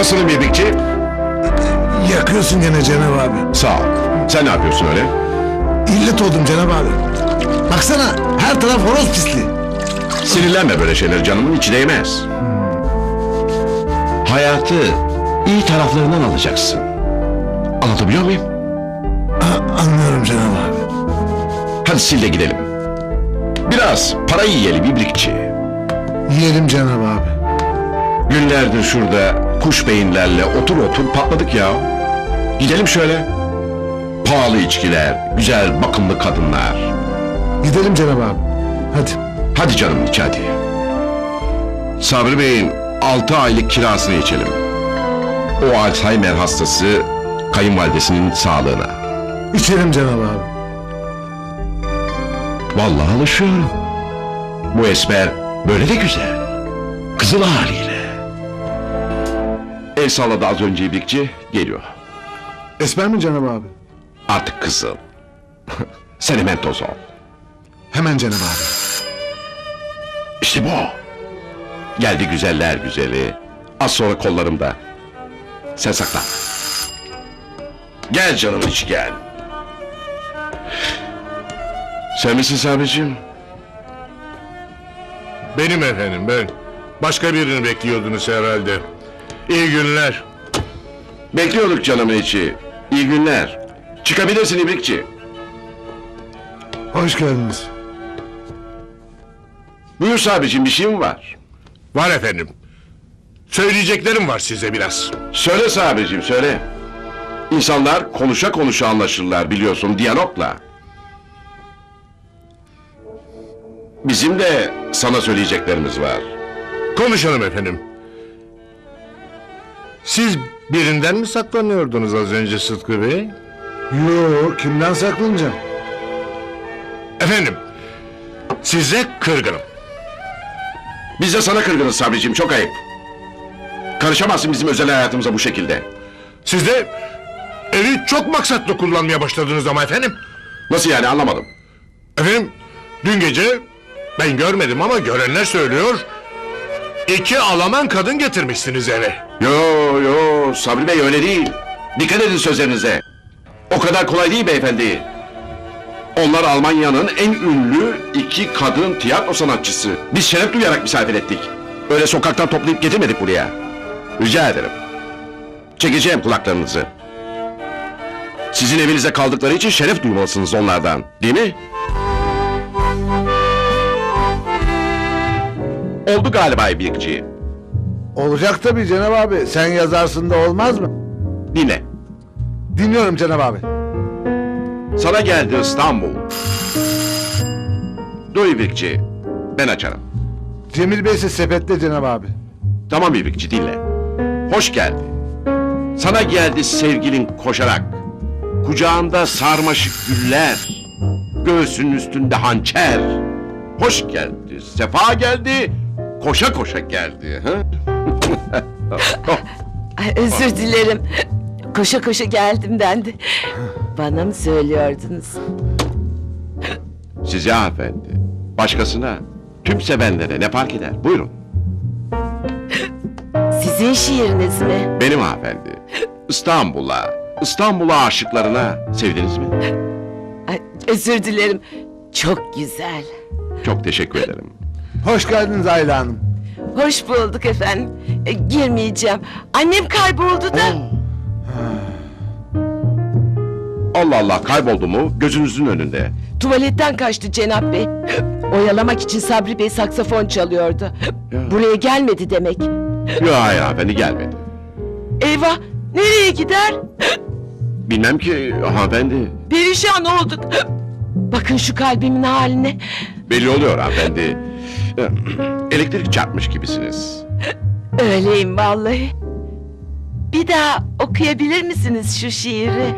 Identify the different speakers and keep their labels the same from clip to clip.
Speaker 1: Nasılım İbrikçi?
Speaker 2: Yakıyorsun gene Cenab abi.
Speaker 1: Sağ ol. Sen ne yapıyorsun öyle?
Speaker 2: İllet oldum Cenab abi. Baksana her taraf horoz pisliği.
Speaker 1: Sinirlenme böyle şeyler, canımın içi değmez. Hayatı iyi taraflarından alacaksın. Anlatabiliyor muyum?
Speaker 2: Anlıyorum Cenab abi.
Speaker 1: Hadi sil de gidelim. Biraz para yiyelim İbrikçi.
Speaker 2: Yiyelim Cenab abi.
Speaker 1: Günlerdir şurada kuş beyinlerle otur patladık ya. Gidelim şöyle. Pahalı içkiler, güzel bakımlı kadınlar.
Speaker 2: Gidelim Cenab abi. Hadi.
Speaker 1: Hadi canım iç hadi. Sabri Bey'in 6 aylık kirasını içelim. O Alzheimer hastası kayınvalidesinin sağlığına.
Speaker 2: İçelim Cenab abi.
Speaker 1: Vallahi alışıyorum. Bu esmer böyle de güzel. Kızıl haliyle. El salladı az önce İbrikçi, geliyor.
Speaker 2: Esmer mi Cenab abi?
Speaker 1: Artık kızıl. Sen hemen toz ol.
Speaker 2: Hemen Cenab abi.
Speaker 1: İşte bu. Geldi güzeller güzeli. Az sonra kollarımda. Sen saklan. Gel canım iç gel. Sen misin Sabri'cim?
Speaker 3: Benim efendim ben. Başka birini bekliyordunuz herhalde. İyi günler.
Speaker 1: Bekliyorduk canımın içi. İyi günler. Çıkabilirsin İbrikçi.
Speaker 2: Hoş geldiniz.
Speaker 1: Buyur Sabri'cim, bir şey mi var?
Speaker 3: Var efendim. Söyleyeceklerim var size biraz.
Speaker 1: Söyle Sabri'cim söyle. İnsanlar konuşa konuşa anlaşırlar biliyorsun, diyalogla. Bizim de sana söyleyeceklerimiz var.
Speaker 3: Konuşalım efendim. Siz birinden mi saklanıyordunuz az önce Sıtkı Bey?
Speaker 2: Yo, kimden saklanacağım?
Speaker 3: Efendim, size kırgınım.
Speaker 1: Biz de sana kırgınız Sabri'cim, çok ayıp. Karışamazsın bizim özel hayatımıza bu şekilde.
Speaker 3: Siz de evi çok maksatlı kullanmaya başladınız ama efendim.
Speaker 1: Nasıl yani, anlamadım.
Speaker 3: Efendim, dün gece ben görmedim ama görenler söylüyor. 2 Alman kadın getirmişsiniz eve.
Speaker 1: Yo Sabri Bey öyle değil. Dikkat edin sözlerinize. O kadar kolay değil beyefendi. Onlar Almanya'nın en ünlü 2 kadın tiyatro sanatçısı. Biz şeref duyarak misafir ettik. Öyle sokaktan toplayıp getirmedik buraya. Rica ederim. Çekeceğim kulaklarınızı. Sizin evinizde kaldıkları için şeref duymalısınız onlardan, değil mi? Oldu galiba İbrikçi.
Speaker 2: Olacak tabii Cenab abi. Sen yazarsın da olmaz mı?
Speaker 1: Dinle.
Speaker 2: Dinliyorum Cenab abi.
Speaker 1: Sana geldi İstanbul. Dur İbrikçi, ben açarım.
Speaker 2: Cemil Bey ise sepette Cenab abi.
Speaker 1: Tamam İbrikçi, dinle. Hoş geldi. Sana geldi sevgilin koşarak. Kucağında sarmaşık güller. Göğsünün üstünde hançer. Hoş geldi, sefa geldi. Koşa koşa geldi. Ha?
Speaker 4: Ay, özür dilerim. Koşa koşa geldim ben de. Bana mı söylüyordunuz?
Speaker 1: Size hanımefendi. Başkasına, tüm sevenlere ne fark eder? Buyurun.
Speaker 4: Sizin şiiriniz mi?
Speaker 1: Benim hanımefendi. İstanbul'a aşıklarına sevdiniz mi?
Speaker 4: Ay, özür dilerim. Çok güzel.
Speaker 1: Çok teşekkür ederim.
Speaker 2: Hoş geldiniz Ayla Hanım.
Speaker 4: Hoş bulduk efendim. Girmeyeceğim. Annem kayboldu da.
Speaker 1: Allah Allah, kayboldu mu? Gözünüzün önünde.
Speaker 4: Tuvaletten kaçtı Cenap Bey. Oyalamak için Sabri Bey saksafon çalıyordu.
Speaker 1: Ya.
Speaker 4: Buraya gelmedi demek.
Speaker 1: Yok hayır hanımefendi, gelmedi.
Speaker 4: Eyvah! Nereye gider?
Speaker 1: Bilmem ki hanımefendi.
Speaker 4: Perişan olduk. Bakın şu kalbimin haline.
Speaker 1: Belli oluyor hanımefendi. Elektrik çarpmış gibisiniz.
Speaker 4: Öyleyim vallahi. Bir daha okuyabilir misiniz şu şiiri?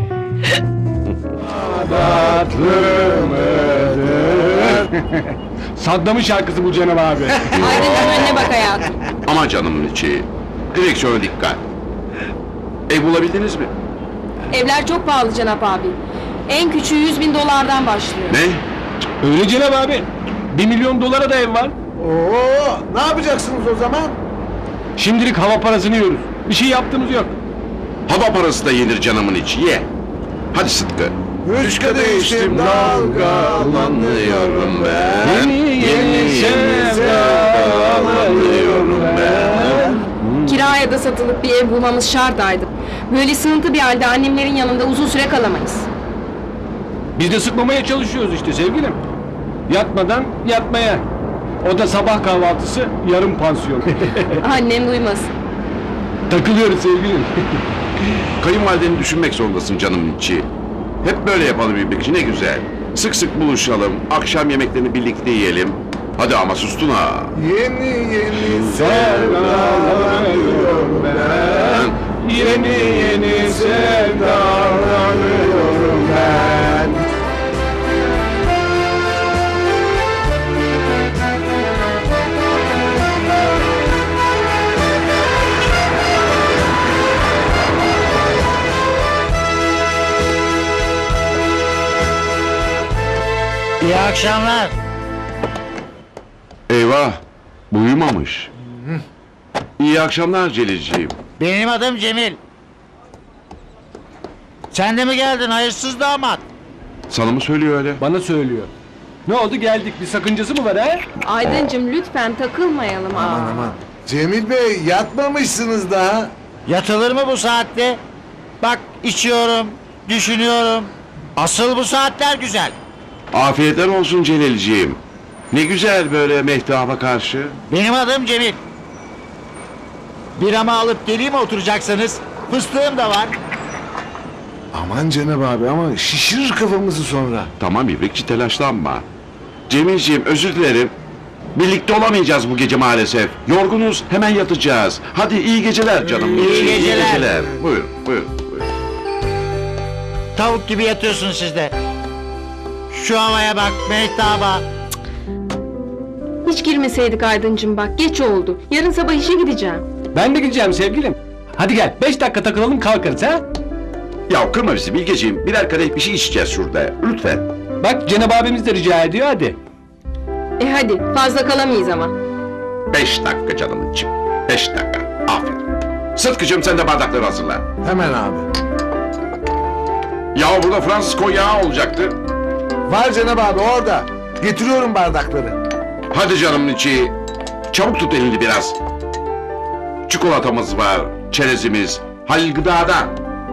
Speaker 5: Saddam'ın şarkısı bu Cenab abi.
Speaker 6: Aydın önüne bak hayatım.
Speaker 1: Ama canımın içi. Direksiyona dikkat. Ev bulabildiniz mi?
Speaker 6: Evler çok pahalı Cenap abi. En küçüğü 100.000 dolardan başlıyor.
Speaker 1: Ne?
Speaker 5: Öyle Cenab abi. 1 milyon dolara da ev var.
Speaker 2: Oo, ne yapacaksınız o zaman?
Speaker 5: Şimdilik hava parasını yiyoruz. Bir şey yaptığımız yok.
Speaker 1: Hava parası da yenir canımın içi, ye. Hadi Sıtkı.
Speaker 2: Üç kadeh içtim dalgalanıyorum ben.
Speaker 5: Yeni sevdalanıyorum ben.
Speaker 6: Kiraya da satılıp bir ev bulmamız şart Aydın. Böyle sığıntı bir halde annemlerin yanında uzun süre kalamayız.
Speaker 5: Biz de sıkmamaya çalışıyoruz işte sevgilim. Yatmadan yatmaya. O da sabah kahvaltısı, yarım pansiyon.
Speaker 6: Annem duymasın.
Speaker 5: Takılıyoruz sevgilim.
Speaker 1: Kayınvalideni düşünmek zorundasın canımın içi. Hep böyle yapalım İbrikçi, ne güzel. Sık sık buluşalım, akşam yemeklerini birlikte yiyelim. Hadi ama sustun ha.
Speaker 2: Yeni yeni
Speaker 5: Sevdalanıyorum ben. Yeni sevdalanıyorum ben.
Speaker 7: İyi akşamlar.
Speaker 1: Eyvah, bu uyumamış. İyi akşamlar Celilciğim.
Speaker 7: Benim adım Cemil. Sen de mi geldin hayırsız damat?
Speaker 1: Sana mı söylüyor öyle?
Speaker 5: Bana söylüyor. Ne oldu geldik, bir sakıncası mı var ha?
Speaker 6: Aydıncım lütfen takılmayalım.
Speaker 2: Aman aman. Cemil Bey yatmamışsınız daha.
Speaker 7: Yatılır mı bu saatte? Bak içiyorum, düşünüyorum. Asıl bu saatler güzel.
Speaker 1: Afiyetler olsun Celilciğim. Ne güzel böyle mehtaba karşı.
Speaker 7: Benim adım Cemil. Biramı alıp geleyim mi oturacaksınız? Fıstığım da var.
Speaker 2: Aman Cenab abi ama şişirir kafamızı sonra.
Speaker 1: Tamam İbrikçi, telaşlanma. Cemilciğim, özür dilerim. Birlikte olamayacağız bu gece maalesef. Yorgunuz, hemen yatacağız. Hadi iyi geceler canım.
Speaker 7: İyi geceler.
Speaker 1: Buyurun, buyurun.
Speaker 7: Tavuk gibi yatıyorsun siz de. Şu havaya bak, mehtaba.
Speaker 6: Hiç girmeseydik Aydıncım bak geç oldu. Yarın sabah işe gideceğim.
Speaker 5: Ben de gideceğim sevgilim. Hadi gel, 5 dakika takılalım kalkarız ha?
Speaker 1: Ya kırma bizi Bilgeciğim. Birer kadeh bir şey içeceğiz şurada. Lütfen.
Speaker 5: Bak Cenab abimiz de rica ediyor hadi.
Speaker 6: Hadi fazla kalamayız ama.
Speaker 1: 5 dakika canım için. 5 dakika. Aferin. Sıtkıcığım sen de bardakları hazırla.
Speaker 2: Hemen abi.
Speaker 1: Ya burada Fransız konyağı olacaktı.
Speaker 2: Var Cenab abi orada. Getiriyorum bardakları.
Speaker 1: Hadi canımın içi. Çabuk tut elini biraz. Çikolatamız var, çerezimiz, Halil Gıda'dan.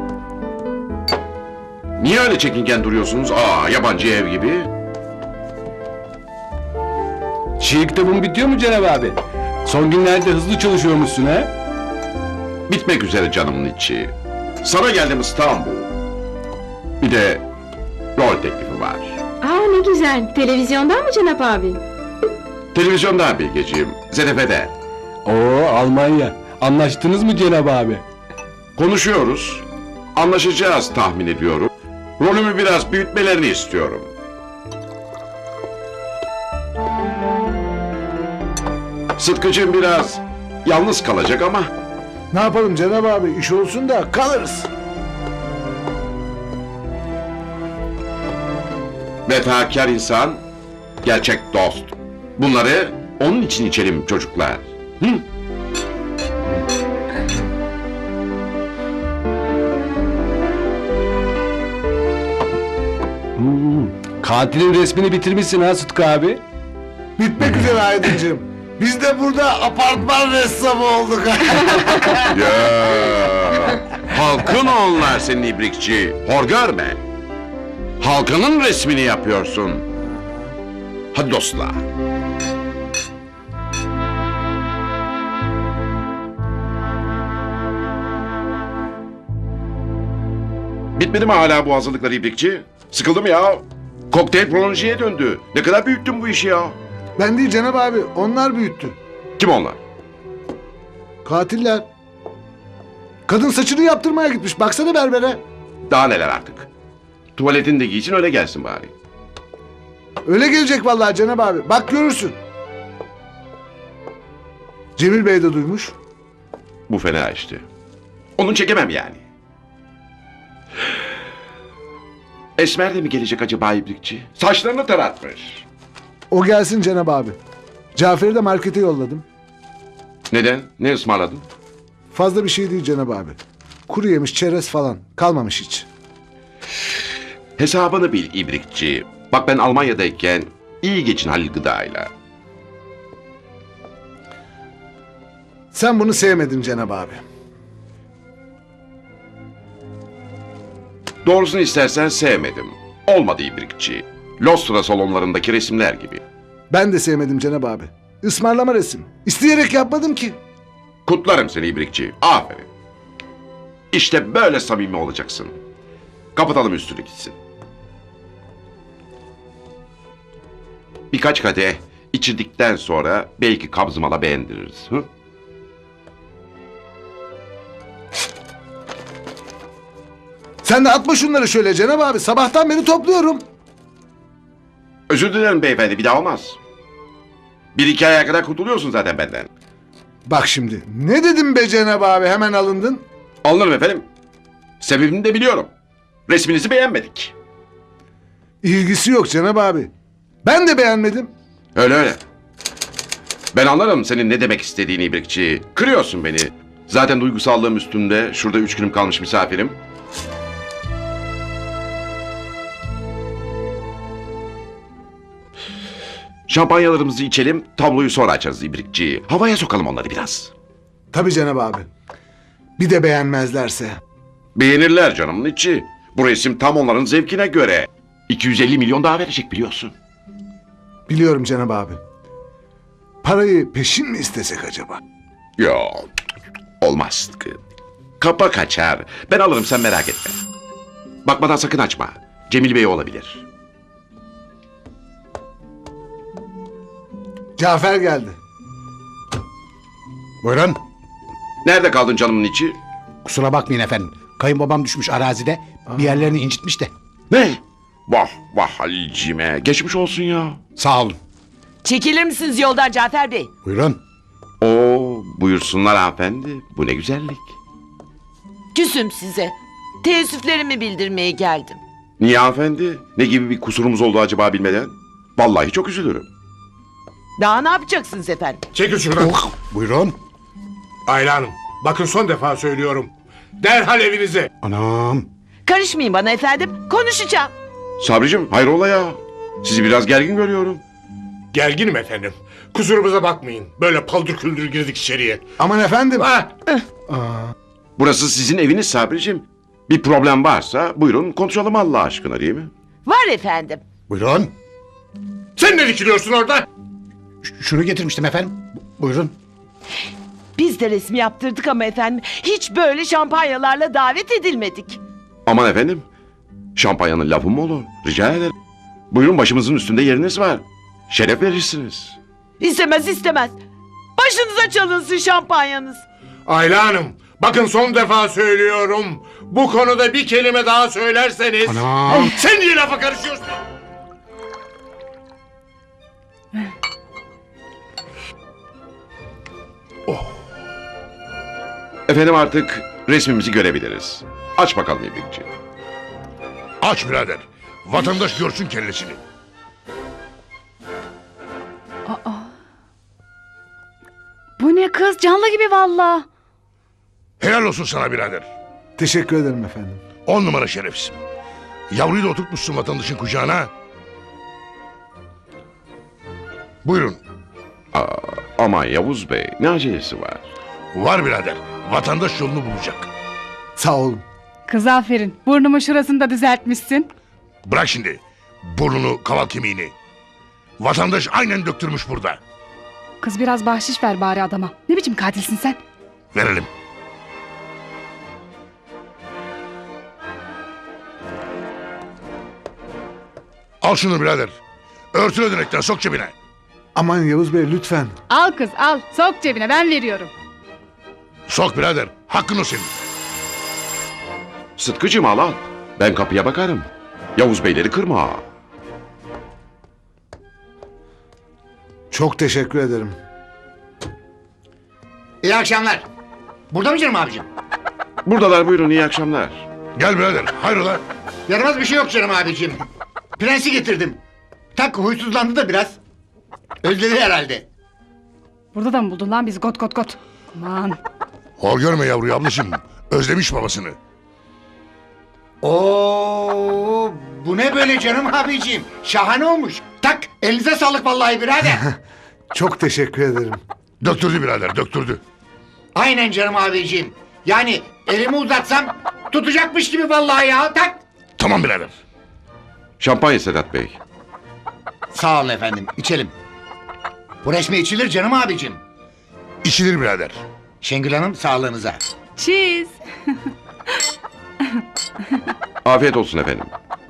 Speaker 1: Niye öyle çekingen duruyorsunuz? Yabancı ev gibi.
Speaker 5: Şiir kitabın bitiyor mu Cenab abi? Son günlerde hızlı çalışıyormuşsun ha?
Speaker 1: Bitmek üzere canımın içi. Sana geldim İstanbul. Bir de rol teklifi var.
Speaker 6: Ne güzel. Televizyondan mı Cenap abi?
Speaker 1: Televizyonda Bilgeciğim, ZDF'de.
Speaker 5: Oo Almanya. Anlaştınız mı Cenab abi?
Speaker 1: Konuşuyoruz. Anlaşacağız tahmin ediyorum. Rolümü biraz büyütmelerini istiyorum. Sıtkıcığım biraz yalnız kalacak ama
Speaker 2: Ne yapalım Cenab abi iş olsun da kalırız.
Speaker 1: vefakar insan, gerçek dost. Bunları onun için içelim çocuklar. Hı?
Speaker 5: Katilin resmini bitirmişsin ha Sıtkı abi.
Speaker 2: Bitmek üzere Aydıncığım. Biz de burada apartman ressamı olduk.
Speaker 1: Ya, halkın onlar senin ibrikçi. Hor görme. Halkının resmini yapıyorsun. Hadi dostlar. Bitmedi mi hala bu hazırlıklar ibrikçi? Sıkıldım ya. Kokteyl prolonjiye döndü. Ne kadar büyüttün bu işi ya.
Speaker 2: Ben değil Cenab abi onlar büyüttü.
Speaker 1: Kim onlar?
Speaker 2: Katiller. Kadın saçını yaptırmaya gitmiş baksana berbere.
Speaker 1: Daha neler artık. Tuvaletini de giysin öyle gelsin bari.
Speaker 2: Öyle gelecek vallahi Cenab abi bak görürsün. Cemil Bey de duymuş.
Speaker 1: Bu fena işte. Onun çekemem yani. Esmer de mi gelecek acaba ibrikçi? Saçlarını taratmış.
Speaker 2: O gelsin Cenab abi. Cafer'i de markete yolladım.
Speaker 1: Neden? Ne ısmarladın?
Speaker 2: Fazla bir şey değil Cenab abi. Kuru yemiş, çerez falan. Kalmamış hiç.
Speaker 1: Hesabını bil ibrikçi. Bak ben Almanya'dayken iyi geçin Halil Gıda'yla.
Speaker 2: Sen bunu sevmedin Cenab abi.
Speaker 1: Doğrusunu istersen sevmedim. Olmadı ibrikçi. Lostra salonlarındaki resimler gibi.
Speaker 2: Ben de sevmedim Cenab abi. Ismarlama resim. İsteyerek yapmadım ki.
Speaker 1: Kutlarım seni ibrikçi. Aferin. İşte böyle samimi olacaksın. Kapatalım üstünü gitsin. Birkaç kadeh içirdikten sonra belki kabzımala beğendiririz. Hı?
Speaker 2: Sen de atma şunları şöyle Cenab abi. Sabahtan beri topluyorum.
Speaker 1: Özür dilerim beyefendi, bir daha olmaz. Bir iki aya kadar kurtuluyorsun zaten benden.
Speaker 2: Bak şimdi. Ne dedim be Cenab abi? Hemen alındın.
Speaker 1: Alınırım efendim. Sebebini de biliyorum. Resminizi beğenmedik.
Speaker 2: İlgisi yok Cenab abi. Ben de beğenmedim.
Speaker 1: Öyle öyle. Ben anlarım senin ne demek istediğini ibrikçi. Kırıyorsun beni. Zaten duygusallığım üstümde. Şurada 3 günüm kalmış misafirim. Şampanyalarımızı içelim, tabloyu sonra açarız ibrikçi. Havaya sokalım onları biraz.
Speaker 2: Tabii Cenab abi. Bir de beğenmezlerse.
Speaker 1: Beğenirler canımın içi. Bu resim tam onların zevkine göre. 250 milyon daha verecek biliyorsun.
Speaker 2: Biliyorum Cenab abi. Parayı peşin mi istesek acaba?
Speaker 1: Yok, olmaz. Kapa kaçar. Ben alırım, sen merak etme. Bakmadan sakın açma. Cemil Bey olabilir.
Speaker 2: Cafer geldi.
Speaker 8: Buyurun.
Speaker 1: Nerede kaldın canımın içi?
Speaker 8: Kusura bakmayın efendim. Kayınbabam düşmüş arazide. Bir yerlerini incitmiş de.
Speaker 1: Ne? Vah vah Halil'cime. Geçmiş olsun ya.
Speaker 8: Sağ olun.
Speaker 4: Çekilir misiniz yoldan Cafer Bey?
Speaker 8: Buyurun.
Speaker 1: Oo, buyursunlar hanımefendi. Bu ne güzellik.
Speaker 4: Küsüm size. Teessüflerimi bildirmeye geldim.
Speaker 1: Niye hanımefendi? Ne gibi bir kusurumuz oldu acaba bilmeden? Vallahi çok üzülürüm.
Speaker 4: Daha ne yapacaksınız efendim?
Speaker 3: Çekil şuradan.
Speaker 8: Buyurun.
Speaker 3: Ayla Hanım, bakın son defa söylüyorum. Derhal evinize.
Speaker 8: Anam.
Speaker 4: Karışmayın bana efendim. Konuşacağım.
Speaker 1: Sabricim hayrola ya? Sizi biraz gergin görüyorum.
Speaker 3: Gerginim efendim. Kusurumuza bakmayın. Böyle paldır küldür girdik içeriye.
Speaker 2: Aman efendim.
Speaker 3: Ha,
Speaker 1: Burası sizin eviniz Sabricim. Bir problem varsa buyurun konuşalım Allah aşkına değil mi?
Speaker 4: Var efendim.
Speaker 8: Buyurun.
Speaker 3: sen ne dikiliyorsun orada?
Speaker 8: Şunu getirmiştim efendim. Buyurun.
Speaker 4: Biz de resmi yaptırdık ama efendim hiç böyle şampanyalarla davet edilmedik.
Speaker 1: Aman efendim. Şampanyanın lafı mı olur? Rica ederim. Buyurun başımızın üstünde yeriniz var. Şeref verirsiniz.
Speaker 4: İstemez istemez. Başınıza çalınsın şampanyanız.
Speaker 3: Ayla Hanım, bakın son defa söylüyorum. Bu konuda bir kelime daha söylerseniz...
Speaker 8: Anam.
Speaker 3: Sen niye lafa karışıyorsun?
Speaker 1: Efendim artık resmimizi görebiliriz. Aç bakalım İbrikçi.
Speaker 3: Aç birader. Vatandaş görsün kellesini.
Speaker 9: Bu ne kız? Canlı gibi valla.
Speaker 3: Helal olsun sana birader.
Speaker 2: Teşekkür ederim efendim.
Speaker 3: 10 numara şerefsin. Yavruyu da oturtmuşsun vatandaşın kucağına. Buyurun.
Speaker 1: Aman Yavuz Bey ne acelesi var?
Speaker 3: Var birader. Vatandaş yolunu bulacak.
Speaker 2: Sağ olun.
Speaker 9: Kız aferin. Burnumu şurasını da düzeltmişsin.
Speaker 3: Bırak şimdi. Burnunu, kaval kemiğini. Vatandaş aynen döktürmüş burada.
Speaker 9: Kız biraz bahşiş ver bari adama. Ne biçim katilsin sen?
Speaker 3: Verelim. Al şunu birader. Örtün ödenekten sok cebine.
Speaker 2: Aman Yavuz Bey lütfen.
Speaker 9: Al kız al. Sok cebine ben veriyorum.
Speaker 3: Sok birader. Hakkın o senin.
Speaker 1: Sıtkıcım al al. Ben kapıya bakarım. Yavuz Beyleri kırma.
Speaker 2: Çok teşekkür ederim.
Speaker 7: İyi akşamlar. Burada mı canım abicim?
Speaker 1: Buradalar buyurun iyi akşamlar.
Speaker 3: Gel birader. Hayrola?
Speaker 7: Yaramaz bir şey yok canım abicim. Prensi getirdim. Tak huysuzlandı da biraz. Özledi herhalde.
Speaker 9: Burada da mı buldun lan bizi got got got? Aman.
Speaker 3: Hor görme yavruyu ablacığım. Özlemiş babasını.
Speaker 8: Oo, bu ne böyle canım abiciğim? Şahane olmuş. Tak, elinize sağlık vallahi birader.
Speaker 2: Çok teşekkür ederim.
Speaker 3: Döktürdü birader, döktürdü.
Speaker 8: Aynen canım abiciğim. Yani elimi uzatsam tutacakmış gibi vallahi ya. Tak.
Speaker 3: Tamam birader.
Speaker 1: Şampanya Sedat Bey.
Speaker 8: Sağ olun efendim, içelim. Bu resmi içilir canım abicim.
Speaker 3: İçilir birader.
Speaker 8: Şengül Hanım sağlığınıza.
Speaker 9: Cheese.
Speaker 1: Afiyet olsun efendim.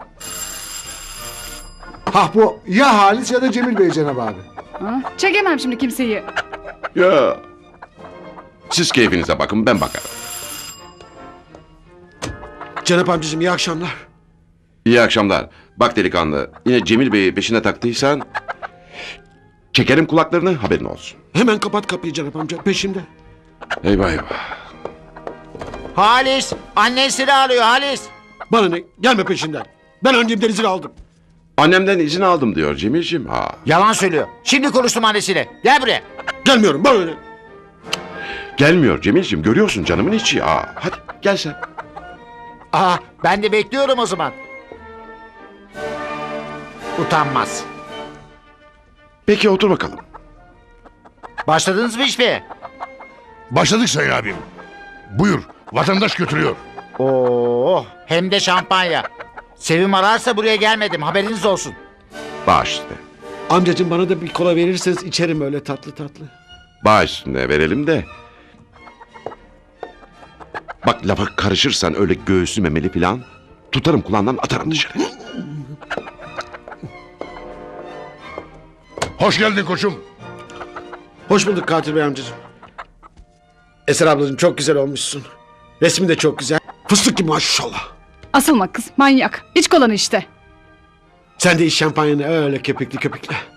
Speaker 2: Hah bu ya Halis ya da Cemil Bey Cenab abi.
Speaker 9: Çekemem şimdi kimseyi.
Speaker 1: Ya. Siz keyfinize bakın, ben bakarım.
Speaker 10: Cenap amcacığım iyi akşamlar.
Speaker 1: İyi akşamlar. Bak delikanlı, yine Cemil Bey'i peşine taktıysan... ...çekerim kulaklarını, haberin olsun.
Speaker 10: Hemen kapat kapıyı Cenap amca peşimde.
Speaker 1: Eyvah eyvah.
Speaker 7: Halis, annesini arıyor Halis.
Speaker 10: Bana ne gelme peşinden. Ben annemden izin aldım.
Speaker 1: Annemden izin aldım diyor Cemil'ciğim. Ha.
Speaker 7: Yalan söylüyor. Şimdi konuştum annesiyle. Gel buraya.
Speaker 10: Gelmiyorum bana ne.
Speaker 1: Gelmiyor Cemil'ciğim, görüyorsun canımın içi. Ha. Hadi gel sen.
Speaker 7: Aa, ben de bekliyorum o zaman. Utanmaz.
Speaker 1: Peki otur bakalım.
Speaker 7: Başladınız mı işe?
Speaker 3: Başladık sayın abim. Buyur, vatandaş götürüyor.
Speaker 7: Oo, hem de şampanya. Sevim ararsa buraya gelmedim. Haberiniz olsun.
Speaker 1: Bağış üstüne.
Speaker 10: Amcacığım bana da bir kola verirseniz içerim öyle tatlı tatlı.
Speaker 1: Bağış üstüne verelim de. Bak lafa karışırsan öyle göğsü memeli falan... ...tutarım kulağından atarım dışarı.
Speaker 3: Hoş geldin koçum.
Speaker 10: Hoş bulduk Katil Bey amcacığım. Eser ablacığım çok güzel olmuşsun. Resmin de çok güzel. Fıstık gibi maşallah.
Speaker 9: Asılma kız manyak. İç kolanı işte.
Speaker 10: Sen de iç şampanyanı öyle köpüklü köpüklü.